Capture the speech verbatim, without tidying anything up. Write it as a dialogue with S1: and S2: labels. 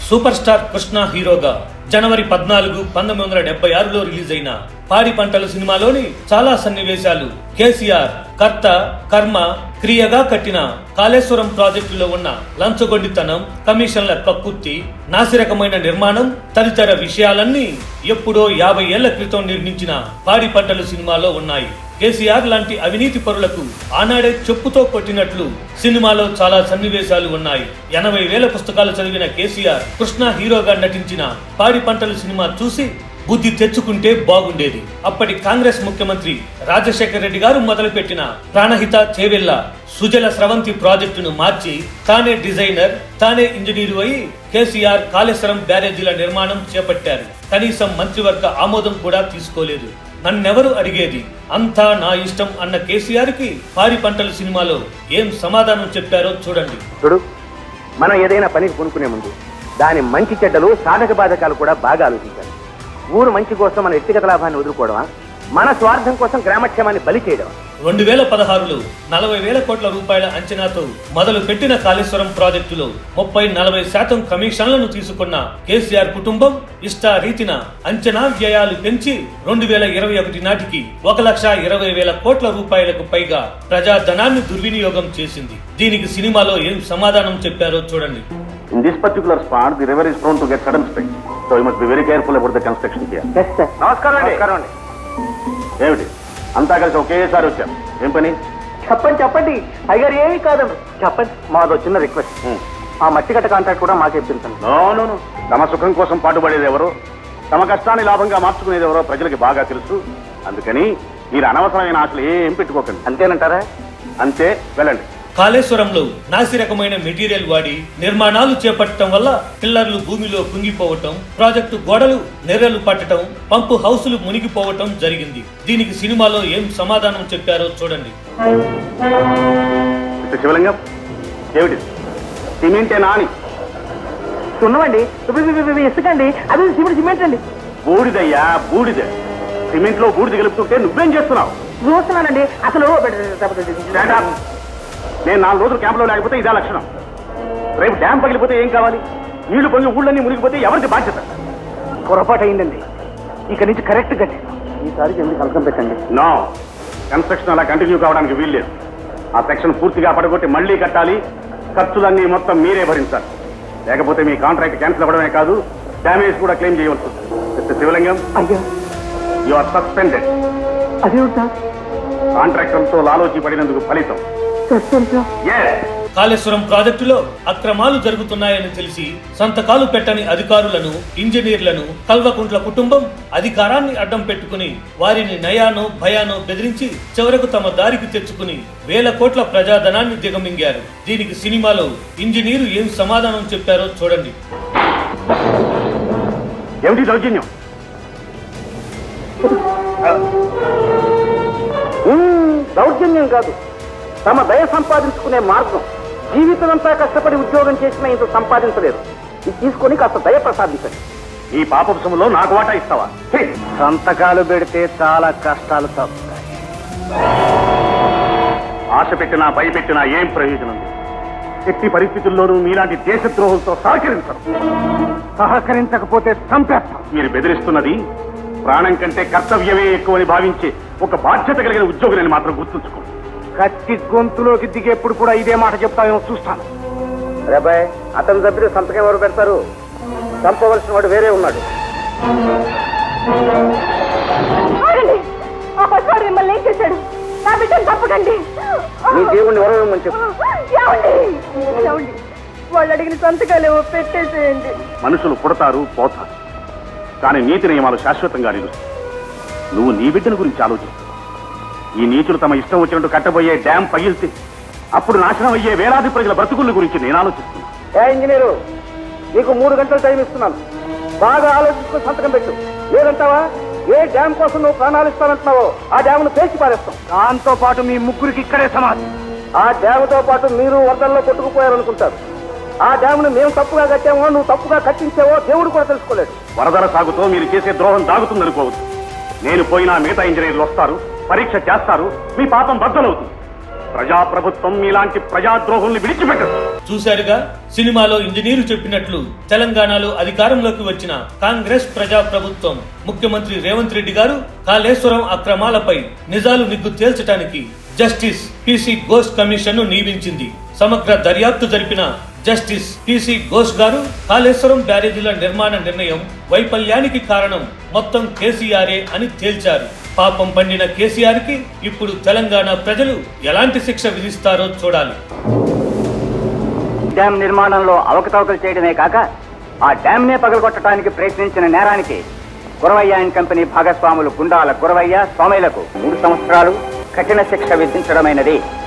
S1: Super star Krishna హీరోగా జనవరి పద్నాలుగు పంతొమ్మిది వందల డెబ్బై ఆరులో రిలీజ్ అయిన పాడి పంటలు సినిమాలోని చాలా సన్నివేశాలు కేసీఆర్ కర్త కర్మ క్రియగా కట్టిన కాళేశ్వరం ప్రాజెక్టులో ఉన్న లంచగొండితనం, కమిషన్ల కక్కుర్తి, నాసిరకమైన నిర్మాణం తదితర విషయాలన్నీ ఎప్పుడో యాభై ఏళ్ల క్రితం నిర్మించిన పాడి పంటలు సినిమాలో ఉన్నాయి. కేసీఆర్ లాంటి అవినీతి పరులకు ఆనాడే చెప్పుతో కొట్టినట్లు సినిమాలో చాలా సన్నివేశాలు ఉన్నాయి. ఎనభై వేల పుస్తకాలు చదివిన కేసీఆర్ కృష్ణ హీరోగా నటించిన పాడి పంటలు సినిమా చూసి బుద్ధి తెచ్చుకుంటే బాగుండేది. అప్పటి కాంగ్రెస్ ముఖ్యమంత్రి రాజశేఖర రెడ్డి గారు మొదలుపెట్టిన ప్రాణహిత చేవెళ్ల సుజల స్రవంతి ప్రాజెక్టును మార్చి తానే డిజైనర్, తానే ఇంజనీరు అయి కేసీఆర్ కాళేశ్వరం బ్యారేజీల నిర్మాణం చేపట్టారు. కనీసం మంత్రివర్గ ఆమోదం కూడా తీసుకోలేదు. నన్నెవరు అడిగేది, అంతా నా ఇష్టం అన్న కేసీఆర్ కి పాడి పంటల సినిమాలో ఏం సమాధానం చెప్పారో చూడండి.
S2: చూడు, మనం ఏదైనా పనికి కొనుక్కునే ముందు దాని మంచి చెడ్డలు, సాధక బాధకాలు కూడా బాగా ఆలోచించాలి. ఊరు మంచి కోసం మన వ్యక్తిగత లాభాన్ని వదులుకోవడమా, మన స్వార్థం కోసం గ్రామక్షేమాన్ని బలి చేయడం?
S1: రెండు వేల పదహారులో నలభై వేల కోట్ల రూపాయల అంచనాతో మొదలు పెట్టిన కాళేశ్వరం ప్రాజెక్టులో ముప్పై నలభై శాతం కమిషన్లను తీసుకున్న కేసీఆర్ కుటుంబం ఇష్టారీతిన అంచనా వ్యయాలు పెంచి రెండు వేల ఇరవై ఒకటి నాటికి ఒక లక్ష ఇరవై వేల కోట్ల రూపాయలకు పైగా ప్రజాధనాన్ని దుర్వినియోగం చేసింది. దీనికి సినిమాలో ఏం సమాధానం చెప్పారో చూడండి.
S3: In this particular spot, the river is prone to get sudden spikes, so you must be very careful about the construction here.
S2: Yes, sir. నమస్కారం అండి. నమస్కారం అండి.
S3: ఏమిటి అంతా కలిసి ఒకేసారి వచ్చాం? ఏం పని?
S2: చెప్పండి చెప్పండి. అయ్యారు ఏమీ కాదండి, చెప్పండి. మాదో చిన్న రిక్వెస్ట్, ఆ మట్టి కట్ట కాంట్రాక్ట్ కూడా మాకు ఇప్పించండి.
S3: నో నో నో తమ సుఖం కోసం పాటుపడేది ఎవరో, తమ కష్టాన్ని లాభంగా మార్చుకునేది ఎవరో ప్రజలకి బాగా తెలుసు. అందుకని మీరు అనవసరమైన ఆశలు ఏం పెట్టుకోకండి.
S2: అంతేనంటారా?
S3: అంతే, వెళ్ళండి.
S1: కాళేశ్వరంలో నాసి రకమైన మెటీరియల్ వాడి నిర్మాణాలు చేపట్టడం వల్ల పిల్లర్లు భూమిలో కుంగిపోవటం, ప్రాజెక్టు గోడలు నెర్రలు పట్టడం, పంపు హౌసులు మునిగిపోవటం జరిగింది. దీనికి సినిమాలో ఏం సమాధానం చెప్పారో చూడండి.
S3: శివలింగం, ఏమిటి సిమెంటేనా అని?
S2: సున్నమండి, ఇసుకండి, అది సిమెంట్ సిమెంట్ అండి.
S3: బూడిదయ్యా బూడిద. సిమెంట్ లో బూడిద కలుపుతుంటే నువ్వేం చేస్తున్నావు?
S2: చూస్తున్నానండి. అసలు
S3: నేను నాలుగు రోజులు క్యాంపులో లేకపోతే ఇదే లక్షణం. రేపు డ్యామ్ పగిలిపోతే ఏం కావాలి? నీళ్లు పొంగి ఊళ్ళన్నీ మునిగిపోతే ఎవరికి బాధ్యత?
S2: పొరపాటు అయిందండి. ఇక నుంచి కరెక్ట్ కట్టి ఈసారికి ఎందుకు కలకం పెట్టండి.
S3: నో, కన్స్ట్రక్షన్ అలా కంటిన్యూ కావడానికి వీల్లేదు. ఆ సెక్షన్ పూర్తిగా పడగొట్టి మళ్లీ కట్టాలి. ఖర్చులన్నీ మొత్తం మీరే భరించాలి. లేకపోతే మీ కాంట్రాక్ట్ క్యాన్సిల్ అవ్వడమే కాదు, డ్యామేజ్ కూడా క్లెయిమ్ చేయవలసి వస్తుంది. మిస్టర్ శివలింగం,
S2: అయ్యా,
S3: యు ఆర్ సస్పెండెడ్.
S2: అదేమిటా?
S3: కాంట్రాక్టర్తో లాలోచి పడినందుకు ఫలితం.
S1: కాళేశ్వరం ప్రాజెక్టులో అక్రమాలు జరుగుతున్నాయని తెలిసి సంతకాలు పెట్టని అధికారులను, ఇంజనీర్లను కల్వకుంట్ల కుటుంబం అధికారాన్ని అడ్డం పెట్టుకుని వారిని నయానో భయానో బెదిరించి చివరకు తమ దారికి తెచ్చుకుని వేల కోట్ల ప్రజాధనాన్ని దిగమింగారు. దీనికి సినిమాలో ఇంజనీరు ఏం సమాధానం చెప్పారో చూడండి.
S3: ఏమిటి దౌర్జన్యం?
S2: దౌర్జన్యం కాదు, తమ దయ సంపాదించుకునే మార్గం. జీవితం అంతా కష్టపడి ఉద్యోగం చేసినా ఇంత సంపాదించలేదు. ఇది తీసుకొని కాస్త దయ ప్రసాదించండి.
S3: ఈ పాపంశంలో నాకు వాటా ఇస్తావా?
S2: సంతకాలు పెడితే చాలా కష్టాలు తప్పుతాయి.
S3: ఆశ పెట్టినా భయపెట్టినా ఏం ప్రయోజనం? ఎట్టి పరిస్థితుల్లోనూ మీలాంటి దేశద్రోహులతో సహకరించరు.
S2: సహకరించకపోతే చంపేస్తాం.
S3: మీరు బెదిరిస్తున్నది ప్రాణం కంటే కర్తవ్యమే ఎక్కువని భావించే ఒక బాధ్యత కలిగిన ఉద్యోగులని మాత్రం గుర్తుంచుకోండి.
S2: కత్తి గొంతులోకి దిగేప్పుడు కూడా ఇదే మాట చెప్తామేమో చూస్తాను. రేబాయ్, అతని దగ్గర సంతకం ఎవరు పెడతారు? చంపవలసిన వాడు వేరే ఉన్నాడు.
S4: మిమ్మల్ని ఏం చేశాడు? నా బిడ్డను తప్పకండి.
S2: మీ దేవుణ్ణి ఎవరేమని చెప్పు.
S4: వాళ్ళు అడిగిన సంతకాలేమో పెట్టేసేయండి.
S3: మనుషులు పుడతారు పోతారు, కానీ నీతి నియమాలు శాశ్వతంగా నిలుస్తాయి. నువ్వు నీ బిడ్డల గురించి ఆలోచిస్తావు. ఈ నీచులు తమ ఇష్టం వచ్చినట్టు కట్టబోయే డ్యాం పగిలితే అప్పుడు నాశనం అయ్యే వేలాది ప్రజల బ్రతుకుల గురించి నేను ఆలోచిస్తున్నాను.
S2: ఏ ఇంజనీరు, నీకు మూడు గంటలు టైం ఇస్తున్నాను. బాగా ఆలోచించుకుని సంతకం పెట్టు. లేదంటావా ఏ డ్యాం కోసం నువ్వు ప్రాణాలు ఇస్తానంటున్నావో ఆ డ్యామ్ను పేల్చి పారేస్తాం. దాంతో పాటు మీ ముగ్గురికి ఇక్కడే సమాధి. ఆ డ్యాముతో పాటు మీరు వరదల్లో కొట్టుకుపోయారనుకుంటారు. ఆ డ్యామును మేము తప్పుగా కట్టామో, నువ్వు తప్పుగా కట్టించావో దేవుడు కూడా తెలుసుకోలేడు.
S3: వరదల సాగుతో మీరు చేసే ద్రోహం దాగుతుందనుకోవద్దు. నేను పోయినా మిగతా ఇంజనీర్లు వస్తారు, పరీక్ష చేస్తారు, మీ పాపం బద్దలవుతుంది. ప్రజాప్రభుత్వం మీలాంటి ప్రజాద్రోహుల్ని విడిచిపెట్టదు.
S1: చూశారుగా, సినిమాలో ఇంజనీరు చెప్పినట్లు తెలంగాణలో అధికారంలోకి వచ్చిన కాంగ్రెస్ ప్రజా ప్రభుత్వం ముఖ్యమంత్రి రేవంత్ రెడ్డి గారు కాళేశ్వరం అక్రమాలపై నిజాలు నిగ్గు తేల్చడానికి జస్టిస్ పిసి ఘోష్ కమిషన్ ను నియమించింది. సమగ్ర దర్యాప్తు జరిపిన జస్టిస్ పిసి ఘోష్ గారు కాళేశ్వరం బ్యారేజీల నిర్మాణ నిర్ణయం వైఫల్యానికి కారణం మొత్తం కేసీఆరే అని తేల్చారు. పాపం పండిన కేసీఆర్ కి ఇప్పుడు తెలంగాణ ప్రజలు ఎలాంటి శిక్ష విధిస్తారో చూడాలి.
S2: డ్యాం నిర్మాణంలో అవకతవకలు చేయడమే కాక ఆ డ్యామ్ నే పగలగొట్టడానికి ప్రయత్నించిన నేరానికి గురవయ్య అండ్ కంపెనీ భాగస్వాములు గుండాల గురవయ్య, సోమయ్యలకు మూడు సంవత్సరాలు కఠిన శిక్ష విధించడమైనది.